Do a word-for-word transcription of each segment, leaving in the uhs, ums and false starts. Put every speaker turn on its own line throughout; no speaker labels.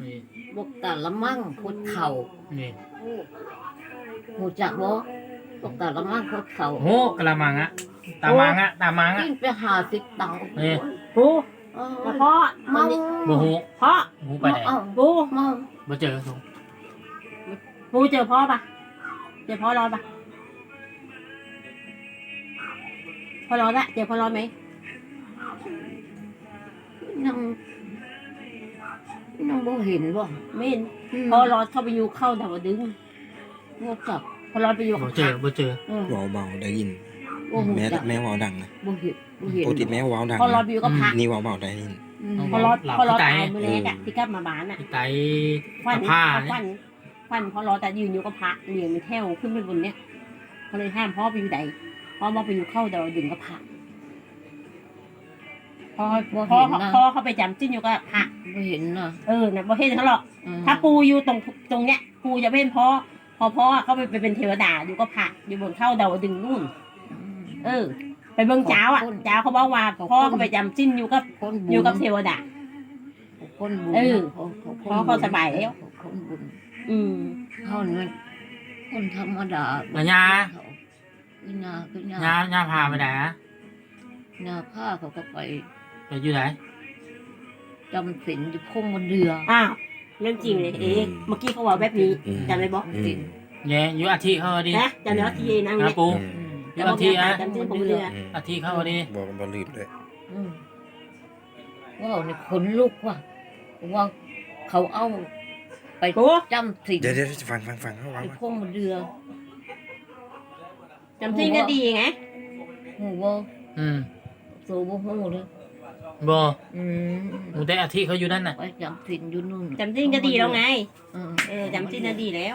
บกตาละมั่งคดเข่า
นี่
หูจักบ่บกตาละมั่งคดเข่า
โหกะละมังอะตามังอะตามังอะ
กินไปหาสิบตังค์
นี่
ปูมาพ่อเมา
บ่ฮู้
พ่อ
ฮู้ไปไหน
ปู
เมา
บ่เจอ
ปูเจอพ่อปะเจอพ่อรอดปะพ่อรอดละเจอพ่อรอดไหม
นั่งนั่งบ่เห็นบ่
ไม่เห็นพ่อรอดเข้าไปอยู่เข้าดาวดึง
งกจับ
พ่อรอดไปอยู่
บ่เจอบ่เจอ
เบาเบาได้ยินแม่แม่วาวดังนะ
บ่เห็นบ่เห็น
ปกติแม่วาวดัง
พ่อรอดไปอยู่กับพระ
นี่วาวเบาได้ยิน
พ่อรอดพ่อรอดตายเมื่อแรกอะที่กลับมาบ้านอะ
ที่ไต
ฟัน
ผ้า
ฟันฟันพ่อรอดแต่ยืนอยู่กับพระเลี้ยงในแถวขึ้นไปบนเนี้ยเขาเลยห้ามพ่อไปอยู่ใดพ่อมาไปอยู่เข้าดาวดึงกับพระพ่อพ่อพ่อเขาไปจำจิ้นอยู่กับพระ
บ่เห็นน่ะ
เออนะบ่เห็นเขาหรอกถ้าปูอยู่ตรงตรงเนี้ยปูจะเห็นพ่อพอพ่อเขาไปเป็นเทวดาอยู่กับพระอยู่บนเข้าดาวดึงนู่นเออไปเบิ่งเจ้าอ่ะเจ้าเขาบอกว่าพ่อเขาไปจำจิ้นอยู่กับอยู่กับเทวดา
คนบุญ
เออพ่อเขาสบายแล้ว
คนบุญ
อืม
เขาเนี่ยคนธรรมดา
ปัญญา
วินาวินา
ญาญาพาไปไหนอะ
ญาพาเขาก็ไป
ไปอยู่ไหน
จำศีลอยู่พงบนเรือ
อ้าวเรื่องจริงเลยเอ๊ะเมื่อกี้เขาบอกแบบนี้จำได้บอก
ศีล
เย่อยู่อาทิเขาดิ
นะจำได้ว่าที่นั่ง
เนี่ยปูอยู่อาทิอะ
จำชื่อผมเรือ
อาทิเขาดิ
บอกบอลลืมเลย
ว้าวนี่ขนลุกว่ะว่าเขาเอาไปจำศีล
เดี๋ยวเดี๋ยวฟังฟังฟังเขาว่า
พงบนเรือ
จำจริงก็ดีไง
โหว่า
อืม
โซ่บ่โหเลย
บ่
อืม
หนูได้อาทิเขาอยู่นั่นน่ะ
ไปจำศีลอยู่นู่น
จำจริงก็ดีแล้วไงเออจำจริงก็ดีแล้ว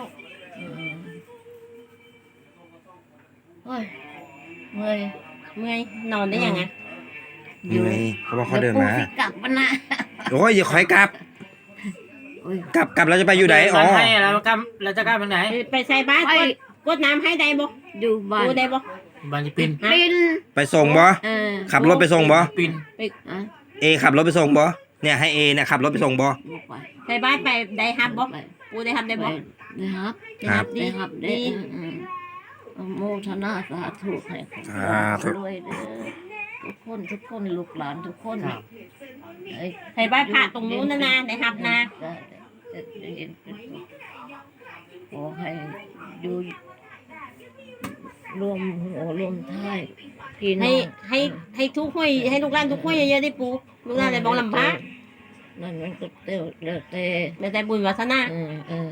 เฮ้ยเมื่อย
เมื่อยนอนได้ยังไง
อยู่เขาบอกเขาเดินมาก
ลับมานะ
โอ้ยอย่าคอยกลับกลับกลับเราจะไปอยู่ไหนอ๋อ
ให้เรากลับเราจะกลับไปไหน
ไปใส่บ้านกดน้ำให้ได้บ่
อยู่บ้าน
ได้บ่
บ้านที่ปิน
ปิน
ไปส่งบ่ขับรถไปส่งบ่
ปิน
เอขับรถไปส่งบ่เนี่ยให้เอเนี่ยขับรถไปส่งบ่
ใส่บ้านไปได้ฮับบ่ปูได้ฮับได้บ่
ได้ฮับได้ฮับได้ฮับได้โมทนาสาธุให้รวยเด้อทุกคนทุกคนลูกหลานทุกคน
ใส่บ้านพระตรงนู้นนะนะได้ฮับนะ
ขอให้ดูรวมหัวรวมท้ายพี่น้อง
ให้ให้ให้ทุกห้วยให้ลูกหลานทุกห้วยเยอะๆได้ปูลูกหลานได้บอกลำบาก
นั่นมันก็เต้าเล้วแต่
แล้วแต่บุญวาสนา
เออเออ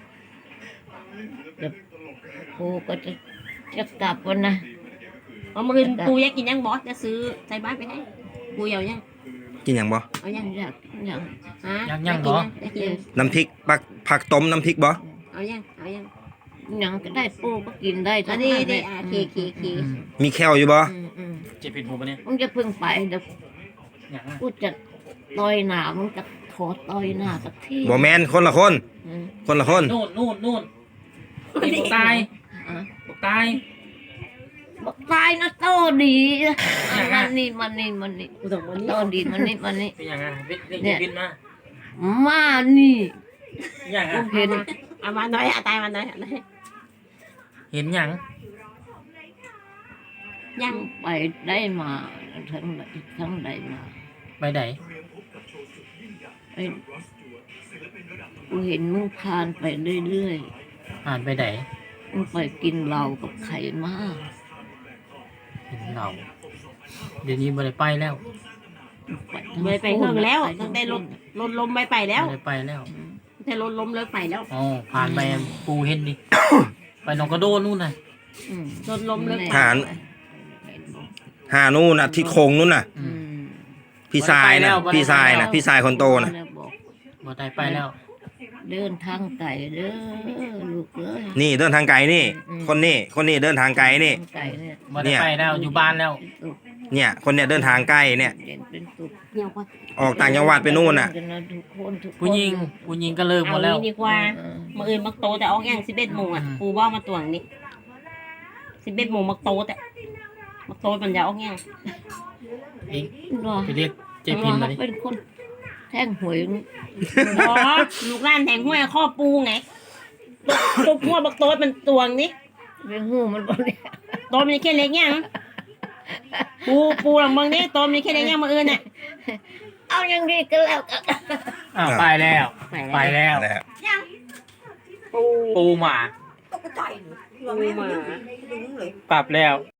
เดี๋ยวปูก็จะจะกลับวันนะ
เอามาคืนปูอยากกินยังบอสจะซื้อใส่บ้านไปให้ปูเอายัง
กินยังบ่
เอายัง
อยากยัง
ฮะ
ยังยังบ่
น้ำพริกปักผักต้มน้ำพริกบ่
เอายังเอายัง
ยังก็ได้ปูก็กินได้
ทั้งนั้นเลยเคเคเค
มีแคลอยู่บ่
เจ็บผิดหูปะเนี่ย
มึงจะพึ่งไปเดี๋ยวกูจะต่อยหน้ามึงจะขอต่อยหน้าสักที
บ่แมนคนละคนคนละคน
นู่นนู่นนู่นบอกตายบอกตาย
บอกตายนะโตดีมันนี่มันนี่มันนี่โตดีมันนี่มันนี่
เป็นยังไงเนี่ยมา
มานี่
ยังไง
เห็น
เอามาหน่อยเอาตายมาหน่อย
เห็นยัง
ยังไปได้มาทั้งไหนทั้งใดมา
ไปไหน
ไอ้กูเห็นมึงผ่านไปเรื่อย
ๆผ่านไปไหน
มึงไปกินเหล้ากับไข่มา
กินเหล้าเดี๋ยวนี้ไม่ได้ไปแล้ว
ไม่ไปเพิ่งแล้วตั้งแต่รถรถลมไม่ไปแล้ว
ไม่ได้ไปแล้ว
แต่รถล้มเลยไปแล้ว
อ๋อผ่านไปปูเห็นดิไปหนองกระโดนนู่นน่ะ
รถล้มเลย
หาหานู่นน่ะที่โค้งนู่นน่ะพี่ชายนะพี่ชายนะพี่ชายคนโตนะ
บ่ได้ไปแล้ว
เดินทางไกลเด้อลูกเอ้ย
นี่เดินทางไกลนี่คนนี้คนนี้เดินทางไกลนี่
บ่ได้ไปแล้วอยู่บ้านแล้ว
เนี่ยคนเนี่ยเดินทางใกล้เนี่ยออกต่างจังหวัดไปนู่นน่ะ
ผู้หญิงผู้หญิงก็เลิกหมดแล้ว
ดีกว่ามื่ออื่นมักโตแต่ออกยังสิบเอ็ดโมงอ่ะปูว่ามาตวงนี่สิบเอ็ดโมงมักโตแต่มักโตมันจะออกยัง
เองไปเรียกเจพินมาดิ
เป็นคนแท่งหวย
อ๋อลูกหล้านแทงห้วยข้อปูไงตุบหัวบักโต๊ดมันตวงนี่
ไปหูมันบ่เนี่ย
โต๊ดมันแค่เล็กยังปูปูหลังเมืองนี่โต๊ดมันแค่เล็กยังมาอื่นน่ะ
เอาอย่างนี้ก็แล้วกัน
อ้าวไปแล้ว ไปแล้ว
แล้ว
ปู
ปูหมา
ปูหมา
ปรับแล้ว